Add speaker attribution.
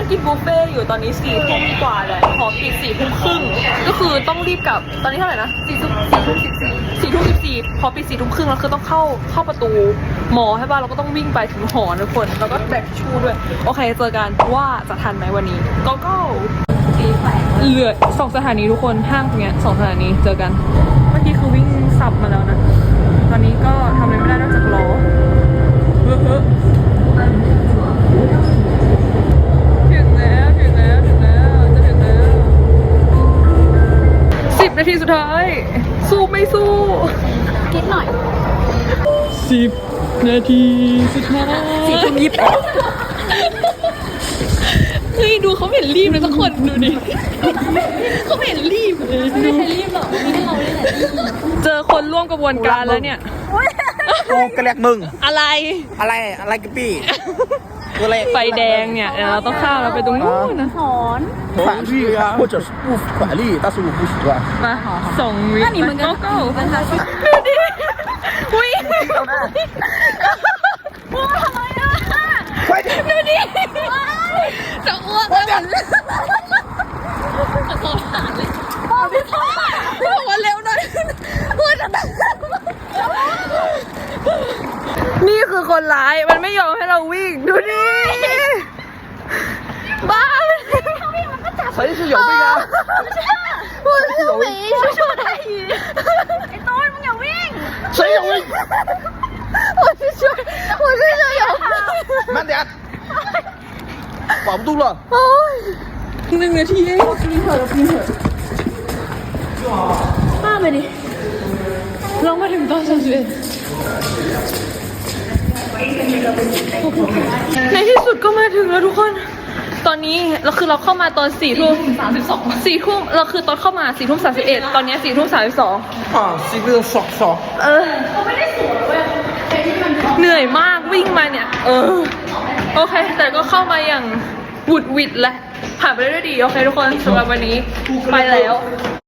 Speaker 1: กินบุฟเฟ่อยู่ตอนนี้4 ทุ่มกว่าแล้วหอปิด4 ทุ่มครึ่งก็คือต้องรีบกลับตอนนี้เท่าไหร่นะ4 ทุ่ม14พอปิด4 ทุ่มครึ่งแล้วคือต้องเข้าประตูมอใช่ป่ะเราก็ต้องวิ่งไปถึงหอทุกคนแล้วก็แบกชูด้วยโอเคเจอกันว่าจะทันไหมวันนี้ก็เหลือ2 สถานีทุกคนห้างตรงเนี้ย2 สถานีเจอกันเมื่อกี้คือวิ่งสับมาแล้วนะตอนนี้ก็ทำอะไรไม่ได้นอกจากรอถึงแล้วจะถึงแล้ว10 นาทีสุดท้ายสู้ไม่สู้คิดหน่อย10 นาทีสุดท้าย4 ทุ่ม 28เฮ้ยดูเขาเห็นรีบเลยทุกคนดูดิเขาเห็นรีบเลยไม่ใช่รีบหรอกมีให้เราเลยแหละเจอคนร่วมกระบวนการแล้วเนี่ย
Speaker 2: กูกระแลกมึง
Speaker 1: อะไร
Speaker 2: กันปี้
Speaker 1: ไฟแดงเนี่ยเราต้องข้ามเราไปตรงนู้นนะ
Speaker 2: 法律啊，或者是不法律，但是我不喜欢。
Speaker 1: มา2 วิก็ดูดิวิ่งดูดิจะอ้วกแล้วขอถามเลยบอกว่าเร็วหน่อยพูดจะนี่คือคนร้ายมันไม่ยอมให้เราวิ่งดูดิบ้า
Speaker 2: 谁是有病啊？
Speaker 1: 我是没说他语ไอ้ต้นมึงอย่าวิ่ง
Speaker 2: 谁有病？
Speaker 1: 我是说有
Speaker 2: 慢点，保不住了。
Speaker 1: โอ้ย1 นาทีเองป้าไปดิเรามาถึงตอน31ในที่สุดก็มาถึงแล้วทุกคนตอนนี้เราคือเราเข้ามาตอน4 ทุ่ม 32 4 ทุ่มเราคือตอนเข้ามา4 ทุ่ม 31ตอนนี้4 ทุ่ม 32
Speaker 2: 是一个爽。
Speaker 1: เหนื่อยมากวิ่งมาเนี่ยโอเคแต่ก็เข้ามาอย่างหวุดหวิดแหละผ่านไปได้ด้วยดีโอเคทุกคนสำหรับวันนี้ไปแล้ว